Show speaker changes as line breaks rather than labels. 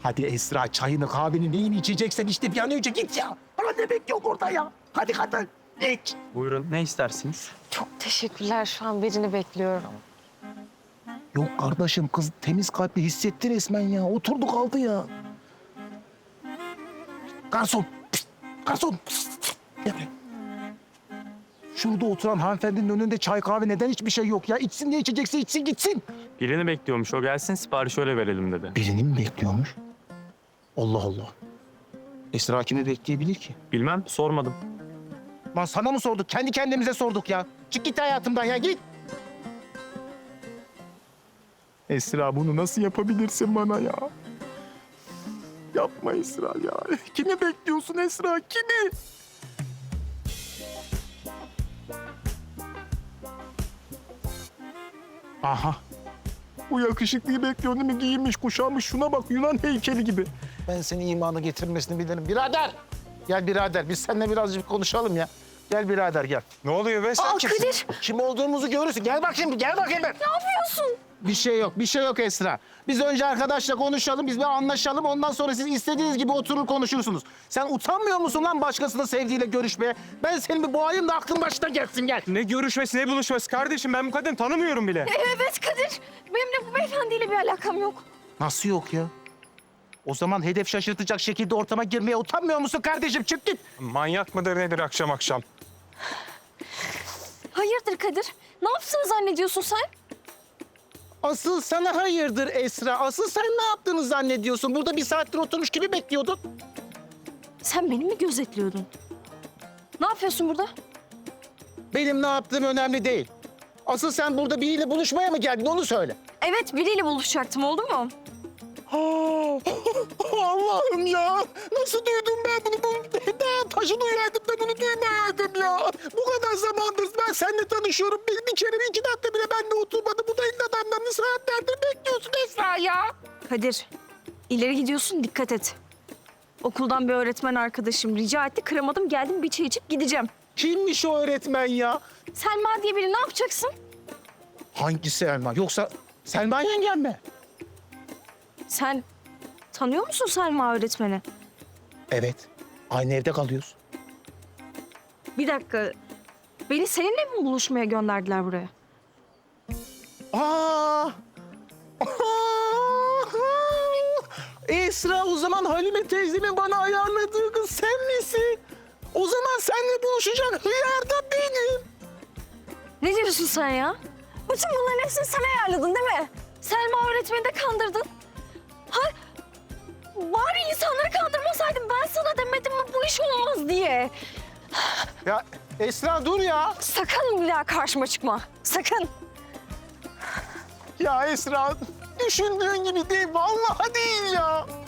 Hadi Esra, çayını, kahveni, neyini içeceksen işte bir an önce git ya. Bana ne bekliyor burada ya? Hadi hadi. Geç.
Buyurun, ne istersiniz?
Çok teşekkürler. Şu an birini bekliyorum.
Yok kardeşim, kız temiz kalpli hissetti resmen ya. Oturdu kaldı ya. Garson. Pişt, garson. Pişt, gel buraya. Şurada oturan hanımefendinin önünde çay kahve neden hiçbir şey yok ya? İçsin diye içecekse içsin gitsin.
Birini bekliyormuş, o gelsin siparişi öyle verelim dedi.
Birini mi bekliyormuş? Allah Allah. Esra kimi bekleyebilir ki?
Bilmem, sormadım.
Lan sana mı sorduk? Kendi kendimize sorduk ya. Çık git hayatımdan ya, git. Esra, bunu nasıl yapabilirsin bana ya? Yapma Esra ya. Kimi bekliyorsun Esra? Kimi? Aha. Bu yakışıklıyı bekliyor değil mi? Giyinmiş, kuşanmış. Şuna bak, Yunan heykeli gibi. Ben senin imanı getirmesini bilirim. Birader! Gel birader, biz seninle birazcık konuşalım ya. Gel birader, gel.
Ne oluyor be? Sen kimsin?
Kadir,
Kim olduğumuzu görürsün. Gel bak şimdi, gel bakayım ben.
ne yapıyorsun?
Bir şey yok Esra. Biz önce arkadaşla konuşalım, biz bir anlaşalım. Ondan sonra siz istediğiniz gibi oturur konuşursunuz. Sen utanmıyor musun lan başkasının sevdiğiyle görüşmeye? Ben senin bir boğayım da aklın başına gelsin, gel.
Ne görüşmesi, ne buluşması kardeşim? Ben bu kadını tanımıyorum bile.
Evet Kadir. Benim de bu beyefendiyle bir alakam yok.
Nasıl yok ya? O zaman hedef şaşırtacak şekilde ortama girmeye utanmıyor musun kardeşim? Çık git.
Manyak mıdır nedir akşam akşam?
Hayırdır Kadir? Ne yaptığını zannediyorsun sen?
Asıl sana hayırdır Esra. Asıl sen ne yaptığını zannediyorsun? Burada bir saattir oturmuş gibi bekliyordun.
Sen beni mi gözetliyordun? Ne yapıyorsun burada?
Benim ne yaptığım önemli değil. Asıl sen burada biriyle buluşmaya mı geldin onu söyle.
Evet, biriyle buluşacaktım, oldu mu?
Allah'ım ya! Nasıl duydum ben bunu? Daha taşı duyardım da bunu duymayaydım ya. Bu kadar zamandır ben seninle tanışıyorum. Bir kere, 2 dakika bile benimle oturmadı. Bu da ilk adamlarını saatlerdir bekliyorsun Esra ya.
Kadir, ileri gidiyorsun, dikkat et. Okuldan bir öğretmen arkadaşım rica etti, kıramadım, geldim bir çay içip gideceğim.
Kimmiş o öğretmen ya?
Selma diye biri, ne yapacaksın?
Hangi Selma? Yoksa Selma yengem mi?
Sen tanıyor musun Selma öğretmeni?
Evet. Aynı evde kalıyoruz.
Bir dakika, beni seninle mi buluşmaya gönderdiler buraya?
Aa! Esra, o zaman Halime teyzemin bana ayarladığı kız sen misin? O zaman seninle buluşacak hıyar da benim.
Ne diyorsun sen ya? Bütün bunların hepsini sen ayarladın değil mi? Selma öğretmeni de kandırdın. Ha? Bari insanları kandırmasaydın, ben sana demedim mi bu iş olmaz diye.
Ya Esra dur ya.
Sakın bir daha karşıma çıkma. Sakın.
Ya Esra, düşündüğün gibi değil. Vallahi değil ya.